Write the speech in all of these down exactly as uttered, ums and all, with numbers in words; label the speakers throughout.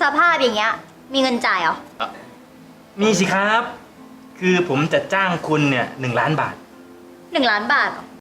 Speaker 1: สภาพอย่างเงี้ยมีเงินจ่ายเหรอ
Speaker 2: มีสิครับ คือผมจะจ้างคุณเนี่ยหนึ่งล้านบาท
Speaker 1: หนึ่งล้านบาทเหรอ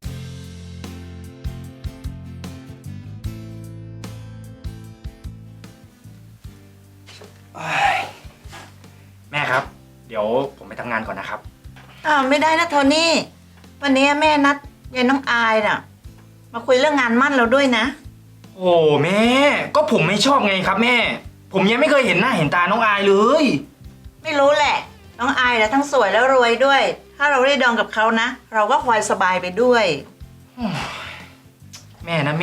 Speaker 2: แม่ครับเดี๋ยวผมไปทำงานก่อนนะครับ
Speaker 3: อ้าวไม่ได้นะโทนี่วันนี้แม่นัดยายน้องอายน่ะมาคุยเรื่องงานมั่นเราด้วยนะ
Speaker 2: โอ้แม่ก็ผมไม่ชอบไงครับแม่ผมยังไม่เคยเห็นหน้าเห็นตาน้องอายเลย
Speaker 3: ไม่รู้แหละน้องอายน่ะทั้งสวยแล้วรวยด้วยถ้าเราได้ดองกับเขานะเราก็พลอยสบายไปด้วย
Speaker 2: แม่นะแม่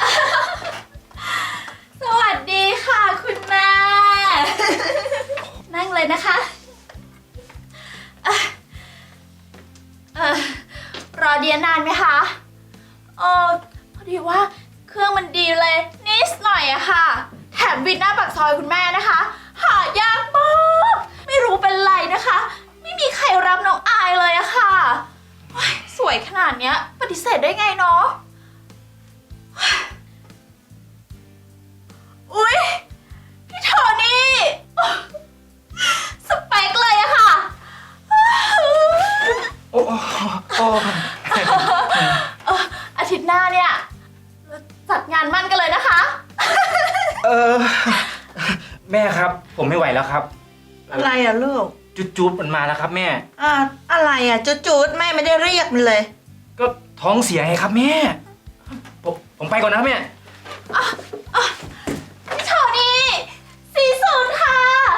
Speaker 1: สวัสดีค่ะคุณแม่นั่งเลยนะคะเอ่อเอ่อรอเดียนานไหมคะเออพอดีว่าเครื่องมันดีเลยนิดหน่อยอะค่ะแถมวินหน้าปากซอยคุณแม่นะคะหายากมากไม่รู้เป็นไรนะคะไม่มีใครรับน้องอายเลยอะค่ะสวยขนาดเนี้ยปฏิเสธได้ไงเนาะอุ๊ยพี่โทนี่สเปคเลยอะค่ะ
Speaker 2: โอ้โอ้
Speaker 1: อาทิตย์หน้าเนี่ยจัดงานมั่นกันเลยนะคะ
Speaker 2: เออแม่ครับผมไม่ไหวแล้วครับ
Speaker 3: อะไรอะลูก
Speaker 2: จุดๆมันมาแล้วครับแม่
Speaker 3: อ่าอะไรอะจุดๆแม่ไม่ได้เรียกมันเลย
Speaker 2: ก็ท้องเสียไงครับแม่ผมผมไปก่อนนะแม่
Speaker 1: พี่โทนี่สี่ศูนย์ค่ะ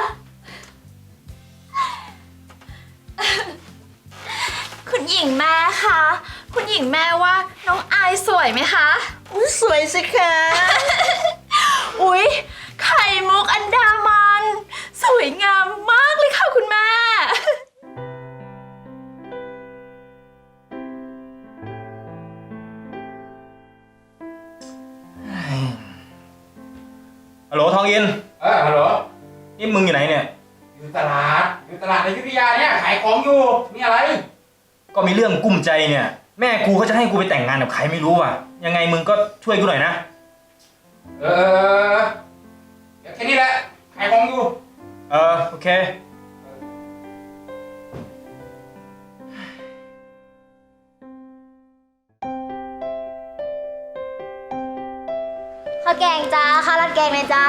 Speaker 1: คุณหญิงแม่คะคุณหญิงแม่ว่าน้องอายสวยไหมคะ
Speaker 3: อุ้ยสวยสิคะ
Speaker 1: อุ๊ยไข่มุกอันดามันสวยงามมากเลยค่ะคุณแม่
Speaker 2: ฮัลโหลทองอิน
Speaker 4: เออฮัลโหล
Speaker 2: นี่มึงอยู่ไหนเนี่ย
Speaker 4: อยู่ตลาดอยู่ตลาดในอยุธยาเนี่ยขายของอยู่มีอะไร
Speaker 2: ก็มีเรื่องกุ้มใจเนี่ยแม่กูเขาจะให้กูไปแต่งงานกับใครไม่รู้อ่ะยังไงมึงก็ช่วยกูหน่อยนะ
Speaker 4: เออแค่นี้แหละขายของอยู่
Speaker 2: เออโอเค
Speaker 1: ข้าวแกงจ้าข้าวราดแกงเลยจ้า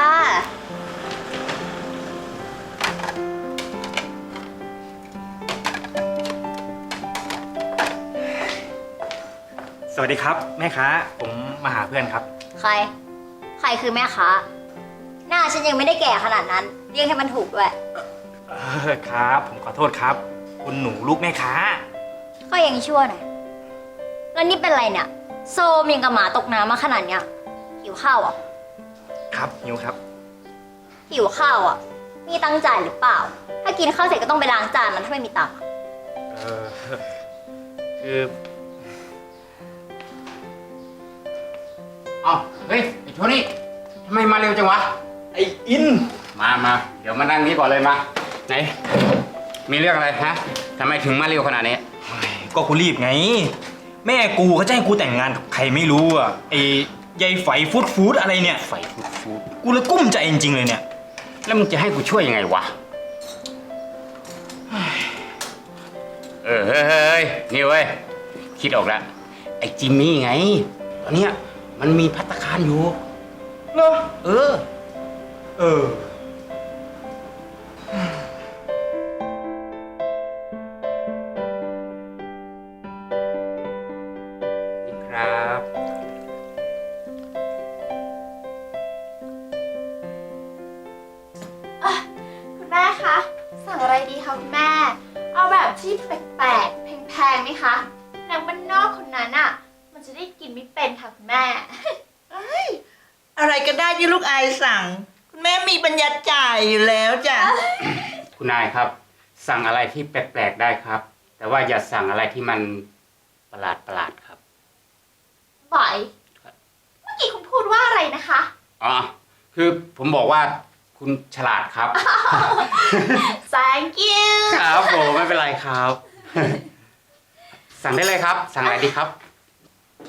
Speaker 2: สวัสดีครับแม่ค้าผมมาหาเพื่อนครับ
Speaker 1: ใครใครคือแม่ค้าหน้าฉันยังไม่ได้แก่ขนาดนั้นเรียกให้มันถูกด้วย
Speaker 2: เออครับผมขอโทษครับคุณหนูลูกแม่ค้า
Speaker 1: ก็ยังชั่วหน่อยแล้วนี่เป็นไรเนี่ยโซมยังกับหมาตกน้ำมาขนาดเนี้ยหิวข้าวอ่ะ
Speaker 2: ครับหิวครับ
Speaker 1: หิวข้าวอ่ะมีตังค์จ่ายหรือเปล่าถ้ากินข้าวเสร็จก็ต้องไปล้างจานมันถ้าไม่มีตังค์
Speaker 2: เออคือ
Speaker 4: อ้าวเฮ้ยไอ้โทนี่ทำไมมาเร็วจังวะ
Speaker 2: ไอ้อิน
Speaker 4: มามาเดี๋ยวมานั่งนี้ก่อนเลยมาไหนมีเรื่องอะไรฮะทำไมถึงมาเร็วขนาดนี้
Speaker 2: ก็กูรีบไงแม่กูเขาจะให้กูแต่งงานกับใครไม่รู้อ่ะไอ้ยายไฝฟูดฟูดอะไรเนี่ย
Speaker 4: ไฝฟูดฟูด
Speaker 2: กูเลยกุ้มใจจริงๆเลยเนี่ย
Speaker 4: แล้วมึงจะให้กูช่วยยังไงวะเออเฮ้ยนี่เว้ยคิดออกแล้วไอ้จิมมี่ไงตอนเนี้ยมันมีภัตตาคารอยู่
Speaker 2: เหรอ
Speaker 4: เออ
Speaker 2: เออ
Speaker 4: นี่ครับ
Speaker 1: คุณแม่คะสั่งอะไรดีคะคุณแม่เอาแบบที่แปลกๆแพงๆไหมคะนางบ้านนอกคนนั้นอ่ะมันจะได้กินไม่เป็นค่ะคุณแม่
Speaker 3: อะไรก็ได้ที่ลูกอายสั่งคุณแม่มีปัญญาจ่ายอยู่แล้วจ้ะ
Speaker 4: คุณนายครับสั่งอะไรที่แปลกๆได้ครับแต่ว่าอย่าสั่งอะไรที่มันประหลาดประหลาดครับ
Speaker 1: บ่อยเมื่อกี้คุณพูดว่าอะไรนะคะ
Speaker 4: อ๋อคือผมบอกว่าคุณฉลาดครับ
Speaker 1: thank you
Speaker 4: ครับผมไม่เป็นไรครับสั่งได้เลยครับสั่งอะไรดีครับ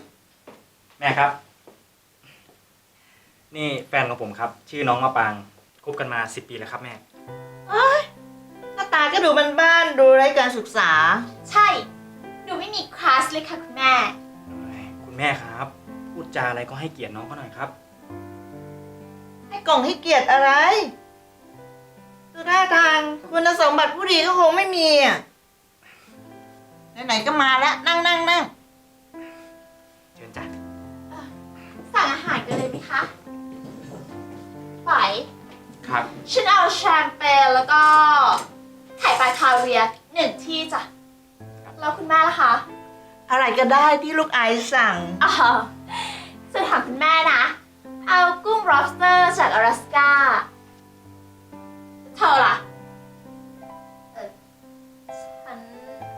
Speaker 2: แม่ครับนี่แฟนของผมครับชื่อน้องมะปางคบกันมาสิบปีแล้วครับแม่
Speaker 3: หน้าตาก็ดูบ้านๆดูไร้การศึกษา
Speaker 1: ใช่ หนูไม่มีคลาสเลยค่ะคุณแม่
Speaker 2: คุณแม่ครับ พูดจาอะไรก็ให้เกียรติน้องเขาหน่อยครับ
Speaker 3: ให้กล่องให้เกียรติอะไรดูท่าทางคุณสมบัติผู้ดีก็คงไม่มีอ่ะไหนๆก็มาแล้วนั่งนั่งนั่ง
Speaker 2: เชิญจ้ะ
Speaker 1: สั่งอาหารกันเลยไหมคะไหว
Speaker 4: ครับ
Speaker 1: ฉันเอาแชมเปญแล้วก็ไข่ปลาคาเวียร์หนึ่งที่จ้ะ แล้วคุณแม่ล่ะคะ
Speaker 3: อะไรก็ได้ที่ลูกไอซ์สั่ง
Speaker 1: อ๋อจะถามคุณแม่นะ เอากุ้ง lobster จากอลาสก้าเธอล่ะ เออฉัน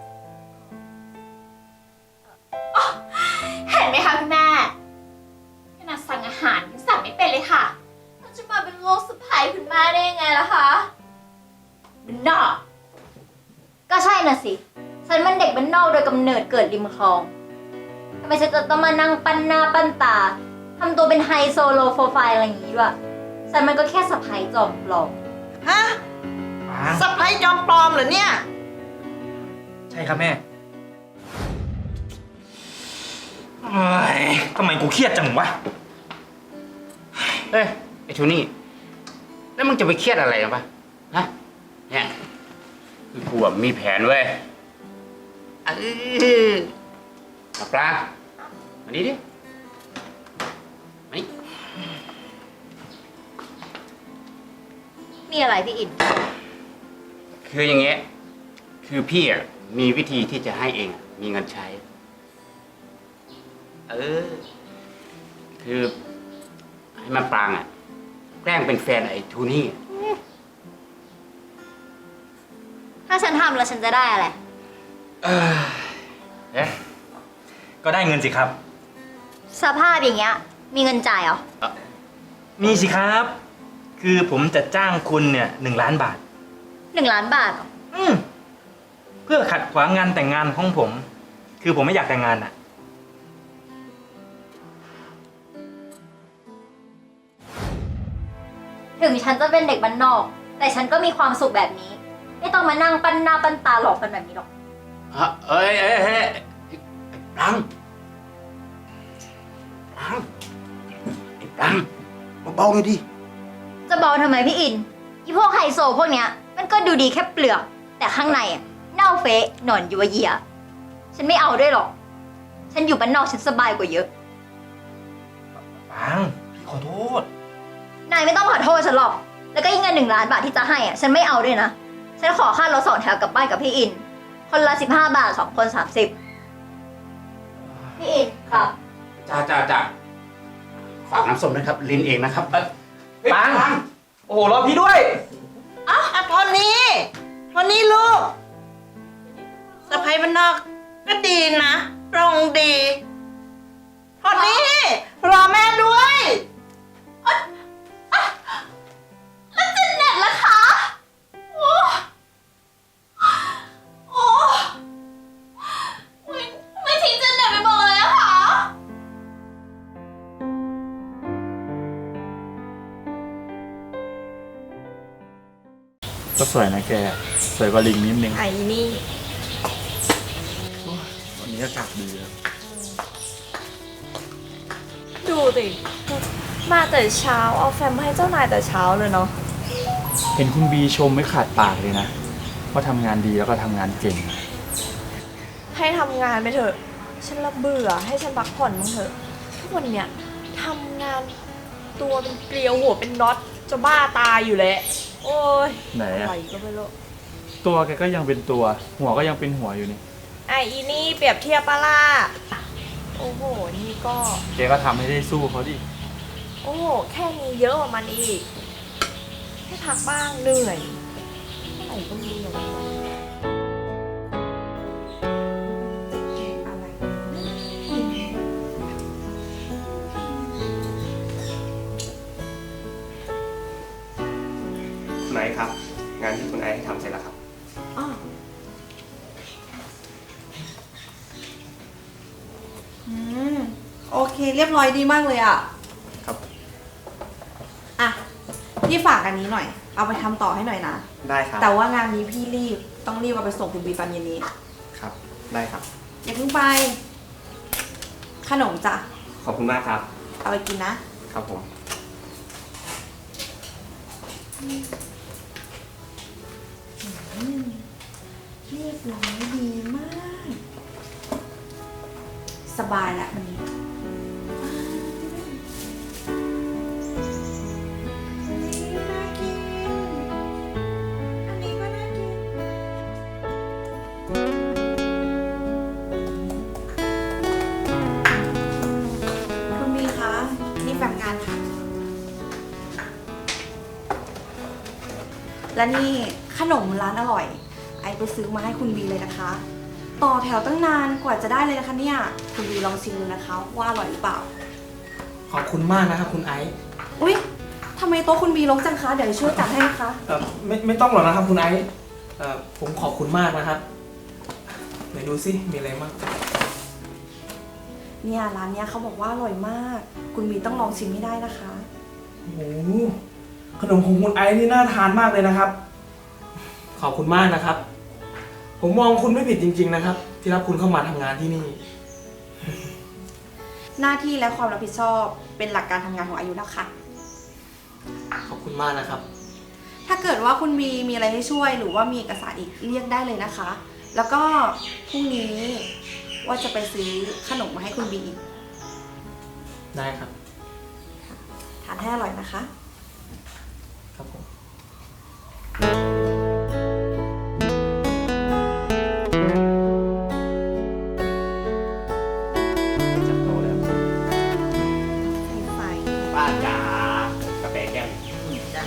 Speaker 1: อ๋อเห็นไหมคะคุณแม่ขนาดสั่งอาหารยังสั่งไม่เป็นเลยค่ะเราจะมาเป็นโลกสะใภ้คุณแม่ได้ยังไงล่ะคะมันนอก
Speaker 5: ก็ใช่น่ะสิ ฉันมันเด็กบ้านนอกโดยกำเนิดเกิดริมคลอง ทำไมฉันจะต้องมานั่งปั้นหน้าปั้นตา ทำตัวเป็นไฮโซโลโปรไฟล์อะไรอย่างนี้ด้วย ฉันมันก็แค่สะพ้ายจอมปลอม
Speaker 3: ฮะ
Speaker 2: ปาง
Speaker 3: สะพ้ายจอมปลอมเหรอเนี่ย
Speaker 2: ใช่ครับแม่เอ้ยทำไมกูเครียดจังวะ
Speaker 4: เอ้ยไอ้โทนี่แล้วมึงจะไปเครียดอะไรกันปะฮะเนี่ยคือกูอะมีแผนเว้ยเออเอาปลามานี่ดิมานี่
Speaker 5: มีอะไรพี่อิน
Speaker 4: คืออย่างเงี้ยคือพี่อ่ะมีวิธีที่จะให้เองอะมีเงินใช้ เออ คือให้มันปรางอ่ะแกล้งเป็นแฟนไอ้โทูนี่
Speaker 5: ถ้าฉันทำแล้วฉันจะได้อะไร
Speaker 4: เออเอ๊ะ
Speaker 2: ก็ได้เงินสิครับ
Speaker 5: สภาพอย่างเงี้ย มีเงินจ่ายเหรอ
Speaker 2: มีสิครับ คือผมจะจ้างคุณเนี่ยหนึ่งล้านบาท
Speaker 5: หนึ่งล้านบาทเหรอ
Speaker 2: อืมเพื่อขัดขวางงานแต่งงานของผม คือผมไม่อยากแต่งงานอ่ะ
Speaker 5: ถึงฉันจะเป็นเด็กบ้านนอก แต่ฉันก็มีความสุขแบบนี้ ไม่ต้องมานั่งปั้นหน้าปั้นตาหลอกกันแบบนี้หรอก
Speaker 4: ฮะเอ้ยเอ้ยเอ้ยไอ้ปรางปรางไอ้ปรางเบาๆหน่อยดิ
Speaker 5: จะเบาทำไมพี่อินอีพวกไฮโซพวกเนี้ย มันก็ดูดีแค่เปลือก แต่ข้างในอะเน่าเฟะหนอนยัวเยีย ฉันไม่เอาด้วยหรอก ฉันอยู่บ้านนอกฉันสบายกว่าเยอะ
Speaker 2: ปางพี่ขอโทษ
Speaker 5: นายไม่ต้องขอโทษฉันหรอก แล้วก็ยิ่งเงินหนึ่งล้านบาทที่จะให้อ่ะ ฉันไม่เอาด้วยนะ ฉันขอค่ารถสองแถวกลับบ้านกับพี่อิน คนละสิบห้าบาทสองคนสามสิบพี่อินครับ
Speaker 4: จ้าจ้าจ้าฝากน้ำส้มนะครับ ลินเองนะครับเอ้ยเฮ้ย
Speaker 2: ปาง โอ้โหรอพี่ด้วย
Speaker 3: อ่ะโทนี่โทนี่ลูกสะพ้ายบ้านนอกก็ดีนะปรองดีโทนี่รอแม่ด้วย
Speaker 1: แล้วเจนเน็ตล่ะคะ โอ้โอ้อุ๊ยไม่ทิ้งเจนเน็ตไปบอกเลยอะคะ
Speaker 6: ก็สวยนะแก สวยกว่าลิงนิดนึง
Speaker 1: ไอ้นี่
Speaker 6: วันนี้อากาศดีแล้ว
Speaker 7: ดูสิมาแต่เช้าเอาแฟมมาให้เจ้านายแต่เช้าเลยเนาะ
Speaker 6: เห็นคุณบีชมไม่ขาดปากเลยนะ ว่าทำงานดีแล้วก็ทำงานเก่ง
Speaker 7: ให้ทำงานไปเถอะ ฉันละเบื่อให้ฉันพักผ่อนบ้างเถอะ ทุกวันเนี้ยทำงานตัวเป็นเกลียวหัวเป็นน็อตจะบ้าตายอยู่แล้วโอ้ย
Speaker 6: ไหนอะ
Speaker 7: อะไรก็ไม่รู้
Speaker 6: ตัวแกก็ยังเป็นตัว หัวก็ยังเป็นหัวอยู่นี่
Speaker 7: ไออีนี่เปรียบเทียบปะล่ะโอ้โหนี่ก็
Speaker 6: แกก็ทำให้ได้สู้เขาดิ
Speaker 7: โอ้โหแค่นี้เยอะกว่ามันอีกให้พักบ้างเหนื่อยเมื่อไหร่ก็เหนื่อย
Speaker 8: คุณไอซ์ครับ งานที่คุณไอซ์ให้ทำเสร็จแล้วครับ
Speaker 9: อืมโอเคเรียบร้อยดีมากเลยอ่ะ
Speaker 8: ครับ
Speaker 9: อ่ะ ทพี่ฝากอันนี้หน่อย เอาไปทำต่อให้หน่อยนะ
Speaker 8: ได้ครับ
Speaker 9: แต่ว่างานนี้พี่รีบ ต้องรีบเอาไปส่งคุณบีตอนเย็นนี้
Speaker 8: ครับ ได้ครับ
Speaker 9: อย่าเพิ่งไป ขนมจ้ะ
Speaker 8: ขอบคุณมากครับ
Speaker 9: เอาไปกินนะ
Speaker 8: ครับผม
Speaker 9: เรียบร้อยดีมาก สบายแล้ววันนี้อันนี้น่ากิน อันนี้ก็น่ากิน คุณมีคะ นี่แบบงานค่ะ และนี่ขนมร้านอร่อย ไอไปซื้อมาให้คุณบีเลยนะคะ ต่อแถวตั้งนานกว่าจะได้เลยนะคะเนี่ย คุณบีลองชิมดูนะคะว่าอร่อยหรือเปล่า
Speaker 10: ขอบคุณมากนะครับคุณไอซ์
Speaker 9: อุ๊ยทำไมโต๊ะคุณบีรกจังคะ เดี๋ยวช่วยจัดให้นะคะ
Speaker 10: เอ่อไม่ไม่ต้องหรอกนะครับคุณไอซ์เอ่อผมขอบคุณมากนะครับไหนดูสิมีอะไรบ้าง
Speaker 9: เนี่ยร้านเนี้ยเขาบอกว่าอร่อยมาก คุณบีต้องลองชิมให้ได้นะคะ
Speaker 10: โอ้โหขนมของคุณไอซ์นี่น่าทานมากเลยนะครับ ขอบคุณมากนะครับ ผมมองคุณไม่ผิดจริง ๆนะครับ ที่รับคุณเข้ามาทำงานที่นี่
Speaker 9: หน้าที่และความรับผิดชอบเป็นหลักการทำงานของอายุแล้วค่ะ
Speaker 10: ขอบคุณมากนะครับ
Speaker 9: ถ้าเกิดว่าคุณบีมีอะไรให้ช่วยหรือว่ามีเอกสารอีกเรียกได้เลยนะคะ แล้วก็พรุ่งนี้ว่าจะไปซื้อขนมมาให้คุณบีอีก
Speaker 10: ได้ครับ
Speaker 9: ทานให้อร่อยนะคะ
Speaker 10: ครับผม
Speaker 8: จับโตแล้ว
Speaker 9: ไฟ
Speaker 8: ป้าจ๋ากาแฟแก้ว
Speaker 3: จ้ะ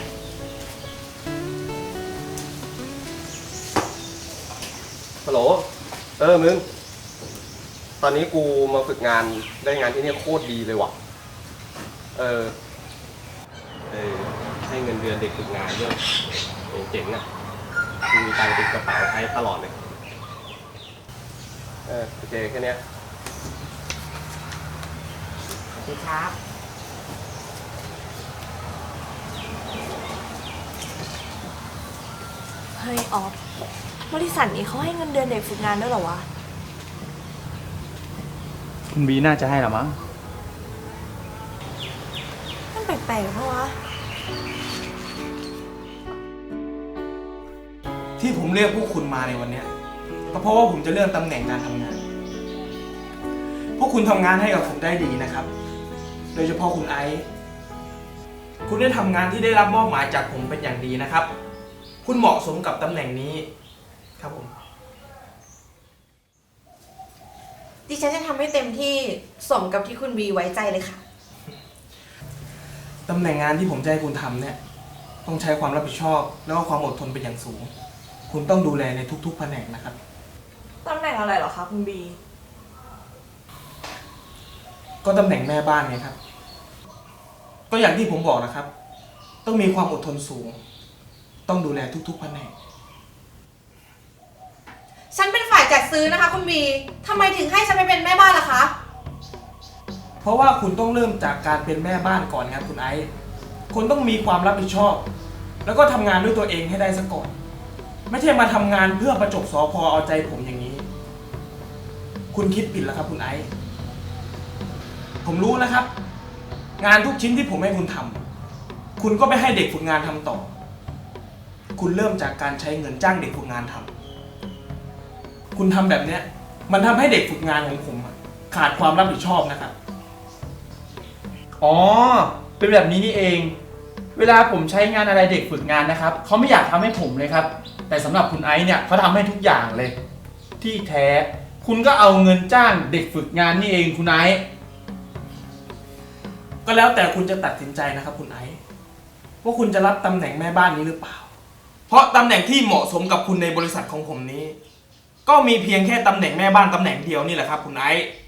Speaker 8: ฮัลโหล เออ มึง ตอนนี้กูมาฝึกงานได้งานที่นี่โคตรดีเลยว่ะ เออ เออ ให้เงินเดือนเด็กฝึกงานด้วยโอ้เจ๋งอ่ะกูมีตังค์ติดกระเป๋าใช้ตลอดเลย เออ โอเค แค่เนี้ย
Speaker 3: ดีครับ
Speaker 7: เฮ้ยออฟบริษัทนี้เขาให้เงินเดือนเด็กฝึกงานด้วยเหรอวะ
Speaker 6: คุณบีน่าจะให้หรอมั้ง
Speaker 7: มันแปลกๆเพราะวะ
Speaker 10: ที่ผมเรียกพวกคุณมาในวันเนี้ยก็เพราะว่าผมจะเลื่อนตำแหน่งการทำงาน พวกคุณทำงานให้กับผมได้ดีนะครับ โดยเฉพาะคุณไอซ์คุณได้ทำงานที่ได้รับมอบหมายจากผมเป็นอย่างดีนะครับ คุณเหมาะสมกับตำแหน่งนี้ครับผม
Speaker 9: ดิฉันจะทำให้เต็มที่สมกับที่คุณบีไว้ใจเลยค่ะ
Speaker 10: ตำแหน่งงานที่ผมจะให้คุณทำเนี่ยต้องใช้ความรับผิดชอบ แล้วก็ความอดทนเป็นอย่างสูง คุณต้องดูแลในทุกๆแผนกนะครับ
Speaker 7: ตำแหน่งอะไรเหรอคะคุณบี
Speaker 10: ก็ตำแหน่งแม่บ้านไงครับ ก็อย่างที่ผมบอกนะครับ ต้องมีความอดทนสูง ต้องดูแลทุกๆแผนก
Speaker 9: ฉันเป็นฝ่ายจัดซื้อนะคะ คุณบีทำไมถึงให้ฉันไปเป็นแม่บ้านล่ะคะ
Speaker 10: เพราะว่าคุณต้องเริ่มจากการเป็นแม่บ้านก่อนครับคุณไอซ์คุณต้องมีความรับผิดชอบ แล้วก็ทำงานด้วยตัวเองให้ได้ซะก่อน ไม่ใช่มาทำงานเพื่อประจบสอพอเอาใจผมอย่างนี้ คุณคิดผิดแล้วครับคุณไอซ์ผมรู้นะครับ งานทุกชิ้นที่ผมให้คุณทำคุณก็ไปให้เด็กฝึกงานทำต่อ คุณเริ่มจากการใช้เงินจ้างเด็กฝึกงานทำคุณทำแบบเนี้ยมันทำให้เด็กฝึกงานของผมอะขาดความรับผิดชอบนะครับ
Speaker 6: อ๋อ เป็นแบบนี้นี่เอง เวลาผมใช้งานอะไรเด็กฝึกงานนะครับ เขาไม่อยากทำให้ผมเลยครับ แต่สำหรับคุณไอซ์เนี่ยเขาทำให้ทุกอย่างเลย ที่แท้คุณก็เอาเงินจ้างเด็กฝึกงานนี่เองคุณไอซ์
Speaker 10: ก็แล้วแต่คุณจะตัดสินใจนะครับคุณไอซ์ว่าคุณจะรับตำแหน่งแม่บ้านนี้หรือเปล่า เพราะตำแหน่งที่เหมาะสมกับคุณในบริษัทของผมนี้ ก็มีเพียงแค่ตำแหน่งแม่บ้านตำแหน่งเดียวนี่แหละครับคุณไอซ์